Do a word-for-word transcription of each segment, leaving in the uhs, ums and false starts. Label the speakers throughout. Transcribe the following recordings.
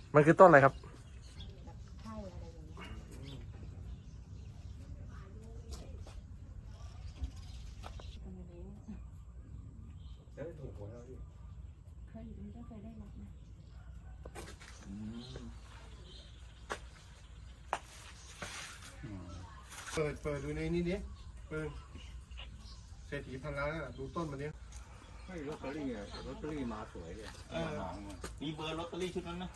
Speaker 1: มันคือต้นอะไรครับ
Speaker 2: ไข่อะไรอย่างเงี้ยตรงนี้
Speaker 1: แล้วถูกหวยแล้วพี่
Speaker 2: เคยมันก็เคยได้รับนะ
Speaker 3: เปิดเปิดดูในนี้ดิเปิดเศรษฐีพันล้านอ่ะดูต้นมันดิ
Speaker 4: ไม่ลอตเตอรี่อะลอตเตอรี่มาสวยเลย
Speaker 3: เออ
Speaker 5: มีเบอร์ลอตเตอรี่ชุดนั้นไหม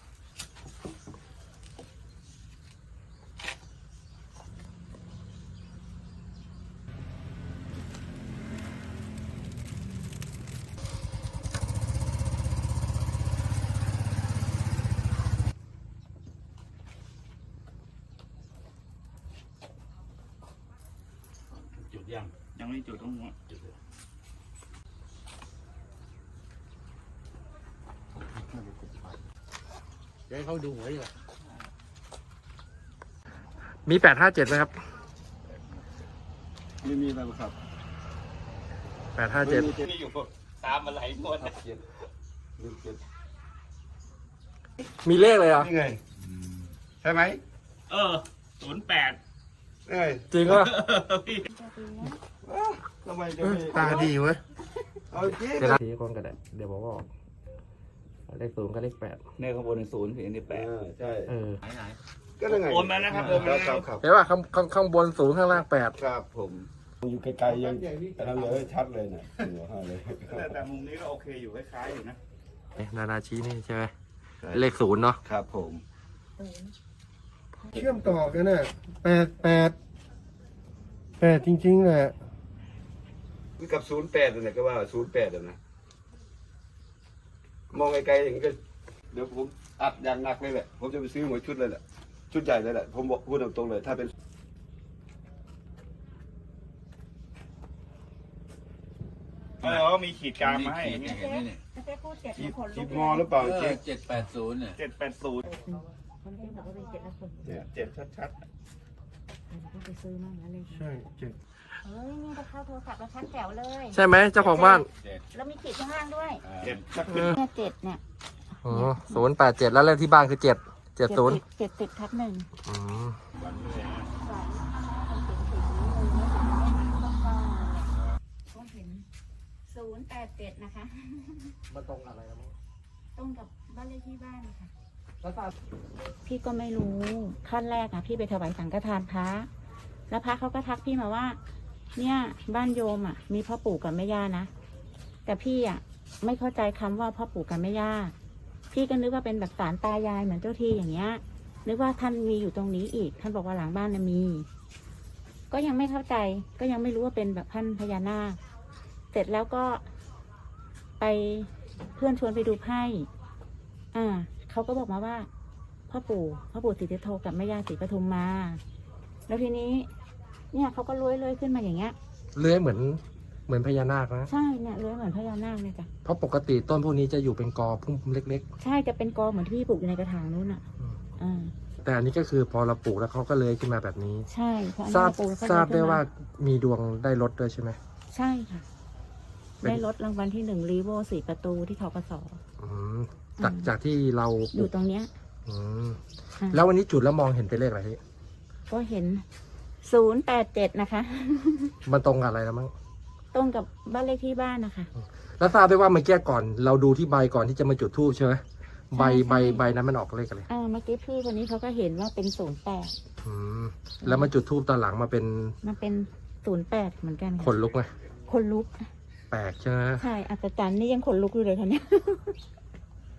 Speaker 4: จุดยัง
Speaker 5: ยังไม่จุดต้องหัวจุดเลย
Speaker 3: เดี๋ยวให้เขาดูหวยอ่ะ
Speaker 1: มีแปดห้าเจ็ดไหมครับ
Speaker 4: ไม่มีอะไรครับ
Speaker 1: แปดห้าเจ็ด
Speaker 5: นี่อยู่ตามมาหลายงวด
Speaker 4: เจ็ดหนึ่งเจ็ด
Speaker 1: มีเลขเลยเหรอ
Speaker 3: นี่ไงใช่ไหม
Speaker 5: เออศูนย์แปด
Speaker 3: เอ้ย
Speaker 1: จริงวะ
Speaker 5: พี่
Speaker 2: จะดีนะ
Speaker 3: ทำไมจะไม่ตาดีเว้ยเอาจริง
Speaker 1: เดี๋ยวทีคนกันแหละเดี๋ยวบอกว่าเลขศูนย์กับเลขแปด
Speaker 5: เนี่ยข้างบนเป็นศูนย์ถึงนี่แปด
Speaker 3: อ่าใช่
Speaker 1: เออ
Speaker 5: ไหนไหน
Speaker 3: ก็ได้ไง
Speaker 5: โอนมานะครับโอน
Speaker 3: ค
Speaker 5: มา
Speaker 3: รับ
Speaker 5: นะ
Speaker 3: ค
Speaker 5: ค
Speaker 3: รั
Speaker 5: รั
Speaker 3: บบ ครับ
Speaker 1: เห็นว่าข้างข้างข้างบนศูนย์ข้างล่างแปด
Speaker 3: ครับผม
Speaker 4: อยู่ไกลๆยังแต่เราเลยชัดเลยเนี่ยหัวห้าเลย
Speaker 5: แต่แต่มุมนี้ก็โอเคอยู่คล้ายๆอยู่นะ
Speaker 1: นานาชี้นี่ใช่ไหมเลขศูนย์เนาะ
Speaker 4: ครับผม
Speaker 2: ศูนย์
Speaker 3: เชื่อมต่อกันน่ะแปดแปดแปดจริงๆแหละ
Speaker 4: กับศูนย์แปดเนี่ยก็ว่าศูนย์แปดนะมองไกลๆอย่างนี้ก็เดี๋ยวผมอัดอย่างหนักเลยแหละผมจะไปซื้อหวยชุดเลยแหละชุดใหญ่เลยแหละผมบอกพูดตรงๆเลยถ้าเป็น
Speaker 5: เออก็มีขีดกลางมาให้อย่างเงี้ย
Speaker 2: เจ๊เจ๊พูดเจ็ด
Speaker 4: จีบ
Speaker 2: คน
Speaker 4: จี
Speaker 2: ลู
Speaker 4: บ
Speaker 2: ก
Speaker 4: งอหรือเปล่า
Speaker 6: เอ
Speaker 4: เจ๊
Speaker 6: อเจ็ดแปดศูนย์เนี่ย
Speaker 5: เจ็ดแปดศูนย์
Speaker 2: คนเจ๊บอกว่าเป็นเจ็ดแล้วคน
Speaker 5: เจ็ดชัด
Speaker 2: ก็ไปซื้อมั่งแล้วเลย
Speaker 3: ใช่เจ็ด
Speaker 2: เฮ้ยนี่ก็เข้าโทรศัพท์แล้วชัดแจ๋วเลย
Speaker 1: ใช่ไหมเจ้าของบ้าน
Speaker 2: แล้วมีขีดข้างล่างด้วย
Speaker 5: ๆเจ็ดชัด
Speaker 1: เออ
Speaker 2: เนี่ยเจ็ดเนี่ย
Speaker 1: อ๋อศูนย์แปดเจ็ดแล้วเลขที่บ้านคือเจ็ดเจ็ดศูนย์
Speaker 2: เจ็ดสิบทับหนึ่ง
Speaker 1: อืม
Speaker 5: วันนี้เลยนะ
Speaker 2: สองคนเขียนขีดนี้เลยก็เห็นศูนย์แปดเจ็ดนะคะ
Speaker 1: มันตรงอะไรครับ
Speaker 2: ตรงกับบ้านเลขที่บ้านค่ะ
Speaker 1: แล้วตา
Speaker 2: พี่ก็ไม่รู้ขั้นแรกอะพี่ไปถวายสังฆทานพระแล้วพระเขาก็ทักพี่มาว่า เนี่ยบ้านโยมอะมีพ่อปู่กับแม่ย่านะแต่พี่อะไม่เข้าใจคำว่าพ่อปู่กับแม่ย่าพี่ก็นึกว่าเป็นแบบศาลตายายเหมือนเจ้าที่อย่างเงี้ยนึกว่าท่านมีอยู่ตรงนี้อีกท่านบอกว่าหลังบ้านน่ะมี ก็ยังไม่เข้าใจ ก็ยังไม่รู้ว่าเป็นแบบท่านพญานาคเสร็จแล้วก็ไปเพื่อนชวนไปดูไพ่อ่าเขาก็บอกมาว่าพ่อปู่พ่อปู่ศรีสุโธกับแม่ย่าศรีปทุมมา แล้วทีนี้ เนี่ยเขาก็เลื้อยเลื้อยขึ้นมาอย่างเงี้ย
Speaker 1: เลื้อยเหมือนเหมือนพญานาคนะ
Speaker 2: ใช่เนี่ยเลื้อยเหมือนพญานาคเลยจ้ะ
Speaker 1: เพราะปกติต้นพวกนี้จะอยู่เป็นกอพุ่มเล็ก
Speaker 2: ใช่จะเป็นกอเหมือนที่พี่ปลูกอยู่ในกระถางนู้นอ่ะ
Speaker 1: อืม
Speaker 2: อ่า
Speaker 1: ๆ แต่อันนี้ก็คือพอเราปลูกแล้วเขาก็เลื้อยขึ้นมาแบบนี้
Speaker 2: ใช่เพราะอัน
Speaker 1: ทรา
Speaker 2: นี้
Speaker 1: บ
Speaker 2: ปลูกแล้วก็
Speaker 1: ทราบ
Speaker 2: เลื้
Speaker 1: ได้
Speaker 2: อยขึ้นม
Speaker 1: ว่ามีดวงได้รถด้วยใช่ไหม
Speaker 2: ใช่ค่ะ
Speaker 1: เป็น
Speaker 2: ได้รถรางวัลที่หนึ่งรีโวสี่ประตูที่ทกส
Speaker 1: อืมจากจากที่เราป
Speaker 2: อ
Speaker 1: ลู
Speaker 2: ยู่
Speaker 1: ก
Speaker 2: ตรงเนี้ย
Speaker 1: อืม
Speaker 2: อ่า
Speaker 1: แล้ววันนี้จุดแล้วมองเห็นเป็นเลขอะไรพี่
Speaker 2: ก็เห็นศูนย์แปดเจ็ดนะคะ
Speaker 1: มันตรงกับอะไรแล้วมั้ง
Speaker 2: ตรงกับบ้านเลขที่บ้านนะคะ
Speaker 1: แล้วทราบได้ว่าเมื่อกี้ก่อน เราดูที่ใบก่อนที่จะมาจุดธูปใช่ไหมใบ
Speaker 2: ใช่
Speaker 1: ใบใบนั้นมันออกเลขอะไร
Speaker 2: อ่าเมื่อกี้พี่คนนี้เขาก็เห็นว่าเป็นศูนย์แปด
Speaker 1: อืมแล้วมาจุดธูปตอนหลังมาเป็น
Speaker 2: มันเป็นศูนย์แปดเหมือนกัน
Speaker 1: ข
Speaker 2: ค่ะ
Speaker 1: นลุกไหม
Speaker 2: คนลุก
Speaker 1: แปลกใช่ไหม
Speaker 2: ใช่อัศจรรย์นี่ยังขนลุกอยู่เลยค่ะเนี่ย